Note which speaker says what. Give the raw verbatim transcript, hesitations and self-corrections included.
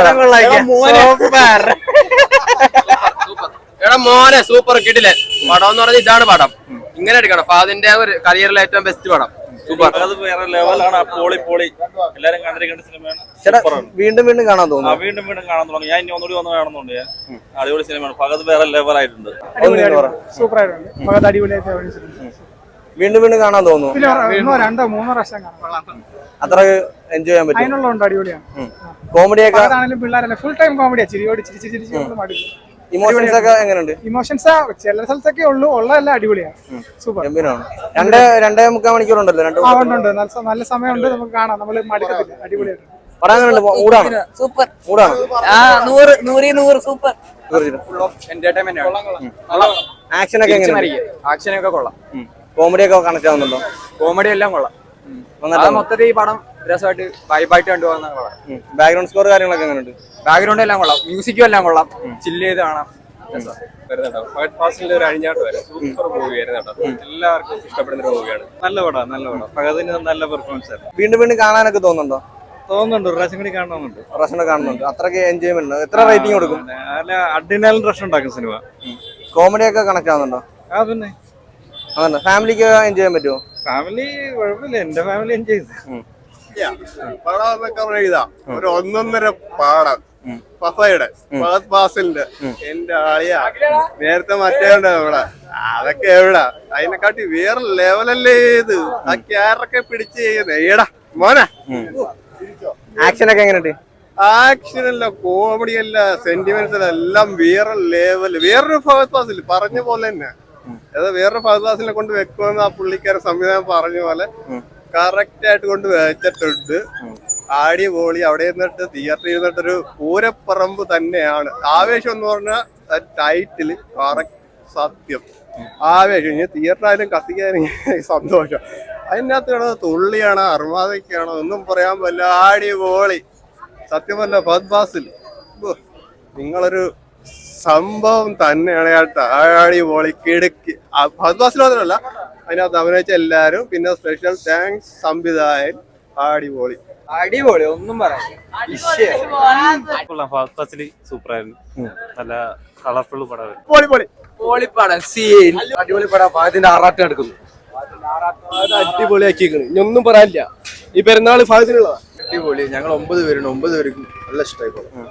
Speaker 1: എടാ മോനെ സൂപ്പർ കിട്ടില്ലേ പടം എന്ന് പറഞ്ഞാൽ ഇതാണ് പടം. ഇങ്ങനെ എടുക്കണം. ഫാദിന്റെ ഒരു കരിയറിലെ ഏറ്റവും ബെസ്റ്റ് പടം. സൂപ്പർ.
Speaker 2: അത് വേറെ ലെവലാണ്. പോളി പോളി എല്ലാരും കണ്ടിരിക്കേണ്ട സിനിമയാണ്.
Speaker 3: വീണ്ടും വീണ്ടും കാണാൻ തോന്നുന്നു.
Speaker 2: വീണ്ടും വീണ്ടും കാണാൻ തുടങ്ങി. ഞാൻ ഇനി ഒന്നുകൂടി വന്ന് കാണുന്നുണ്ട്. അടിപൊളി സിനിമയാണ്. ഫഹദ് വേറെ ലെവലായിട്ടുണ്ട്.
Speaker 4: സൂപ്പർ ആയിട്ടുണ്ട്. ഫഹദ് അടിപൊളിയായിട്ട്
Speaker 3: വീണ്ടും വീണ്ടും കാണാൻ തോന്നുന്നു.
Speaker 4: രണ്ടോ മൂന്നോ പ്രാവശ്യം കാണാം.
Speaker 3: അത്ര എൻജോയ് ചെയ്യാൻ പറ്റും.
Speaker 4: അതിനുള്ളതുണ്ട്. അടിപൊളിയാണ്.
Speaker 3: കോമഡിയൊക്കെ
Speaker 4: ആണെങ്കിലും പിള്ളേരല്ല ഫുൾ ടൈം കോമഡിയാ. ചിരിയോട് ചിരി ചിരി ചിരിച്ച് മടുക്കും.
Speaker 3: ഇമോഷൻസ് ഒക്കെ എങ്ങനെയുണ്ട്?
Speaker 4: ഇമോഷൻസ് ചില സ്ഥലത്തൊക്കെ ഉള്ളൂ. ഉള്ളതല്ല അടിപൊളിയാണ്. സൂപ്പർ.
Speaker 3: ഗംഭീരമാണ്. രണ്ട് രണ്ടേ മുക്കാൽ മണിക്കൂറുണ്ടല്ലോ. രണ്ട്
Speaker 4: ഉണ്ട്. നല്ല സമയമുണ്ട്. നമുക്ക് കാണാം. നമ്മൾ മടുക്കത്തില്ല. അടിപൊളിയായിട്ട്
Speaker 3: പറയാനുണ്ട്. മൂടാണ്.
Speaker 5: സൂപ്പർ
Speaker 3: മൂടാണ്.
Speaker 5: നൂറ് നൂറി നൂറ് സൂപ്പർ.
Speaker 3: ആക്ഷൻ ഒക്കെ എങ്ങനെയാണ്?
Speaker 1: ആക്ഷനൊക്കെ കൊള്ളാം.
Speaker 3: കോമഡി ഒക്കെ കണക്ട് ആവുന്നുണ്ടോ?
Speaker 1: കോമഡി എല്ലാം കൊള്ളാം. മൊത്തത്തിൽ ഈ പടം രസമായിട്ട് വൈബായിട്ട് കണ്ടുപോകുന്ന പടം.
Speaker 3: ബാക്ക്ഗ്രൗണ്ട് സ്കോർ കാര്യങ്ങളൊക്കെ എങ്ങനെയുണ്ട്?
Speaker 1: ബാക്ക്ഗ്രൗണ്ട് എല്ലാം കൊള്ളാം. മ്യൂസിക്കും എല്ലാം കൊള്ളാം. ചില്ല് ചെയ്ത് കാണാം.
Speaker 6: ഒരു അഴിഞ്ഞാട്ട് വരെ സൂപ്പർ മൂവിയായിരുന്നു കേട്ടോ. എല്ലാവർക്കും ഇഷ്ടപ്പെടുന്ന ഒരു മൂവിയാണ്. നല്ല പടം നല്ല പടം. ഫഹദിന് നല്ല പെർഫോമൻസ് ആയിരുന്നു.
Speaker 3: വീണ്ടും വീണ്ടും കാണാനൊക്കെ തോന്നുന്നുണ്ടോ?
Speaker 6: തോന്നുന്നുണ്ട്. ഒരു പ്രാവശ്യം കൂടി കാണണമെന്നുണ്ട്.
Speaker 3: റഷനെ കാണുന്നുണ്ട്. അത്രയ്ക്ക് എൻജോയ്മെന്റ് ഉണ്ട്. എത്ര റേറ്റിംഗ് കൊടുക്കും?
Speaker 6: നല്ല അഡിനാലും റഷ് ഉണ്ടാക്കും സിനിമ.
Speaker 3: കോമഡി ഒക്കെ കണക്ട് ആവുന്നുണ്ടോ?
Speaker 6: ആ പിന്നെ
Speaker 3: അതന്നെ. ഫാമിലിക്ക് എൻജോയ് ചെയ്യാൻ പറ്റുമോ?
Speaker 6: ഫാമിലി കുഴപ്പമില്ല. എന്റെ ഫാമിലി എൻജോയ് ചെയ്തു.
Speaker 7: പടം എന്നൊക്കെ എഴുതാ ഒരു ഒന്നൊന്നര പാടം. ഫസയുടെ ഫഹദ് ഫാസിലിന്റെ എന്റെ ആളിയാ. നേരത്തെ മറ്റേ ഉണ്ട് ഇവിടെ. അതൊക്കെ എവിടാ അതിനെക്കാട്ടി വേറെ ലെവലല്ലേ ഇത്. ആ ക്യാരൊക്കെ പിടിച്ച് ചെയ്യുന്നേ ഏടാ മോനെ.
Speaker 3: ആക്ഷൻ ഒക്കെ എങ്ങനെയുണ്ട്?
Speaker 7: ആക്ഷൻ അല്ല, കോമഡി അല്ല, സെന്റിമെന്റ്സ് അല്ല, എല്ലാം വേറെ ലെവല്. വേറൊരു ഫഹദ് ഫാസിൽ പറഞ്ഞ പോലെ തന്നെ അത് വേറൊരു ഫഹദ് ഫാസിലിനെ കൊണ്ട് വെക്കുമെന്ന് ആ പുള്ളിക്കാരൻ സംവിധാനം പറഞ്ഞ പോലെ കറക്റ്റ് ആയിട്ട് കൊണ്ട് വെച്ചിട്ടുണ്ട്. ആടി പോളി. അവിടെ ഇരുന്നിട്ട് തിയേറ്ററിൽ ഇരുന്നിട്ടൊരു പൂരപ്പറമ്പ് തന്നെയാണ്. ആവേശം എന്ന് പറഞ്ഞാൽ ടൈറ്റില് കറക്റ്റ് സത്യം. ആവേശം. ഇനി തിയേറ്ററായാലും കത്തിക്കാനും സന്തോഷം. അതിനകത്ത് കിടന്നത് തുള്ളിയാണോ അർമാദയ്ക്കാണോ ഒന്നും പറയാൻ പറ്റില്ല. ആടി പോളി സത്യമല്ല. ഫഹദ് ഫാസിൽ നിങ്ങളൊരു സംഭവം തന്നെയാണ് കേട്ടോ. ആടി പോളി കിടക്കി. ഫഹദ് ഫാസിൽ മാത്രമല്ല അതിനകത്ത് അഭിനയിച്ച എല്ലാരും. പിന്നെ സ്പെഷ്യൽ താങ്ക്സ് സംവിധായകൻ. അടിപൊളി
Speaker 1: അടിപൊളി ഒന്നും പറയാം.
Speaker 2: സൂപ്പർ ആയിരുന്നു. നല്ല കളർഫുൾ പടം.
Speaker 1: പൊളിപ്പടം. സീൻ അടിപൊളി പടം. ഫഹദിന്റെ ആറാട്ട് എടുക്കുന്നു.
Speaker 7: അടിപൊളിയാക്കിയിരിക്കുന്നു. ഇനി ഒന്നും പറയാനില്ല. ഈ പെരുന്നാള് ഫഹദിനുള്ളതാ.
Speaker 1: അടിപൊളി. ഞങ്ങൾ ഒമ്പത് പേരുണ്ട്. ഒമ്പത് പേർക്കും നല്ല ഇഷ്ടമായി.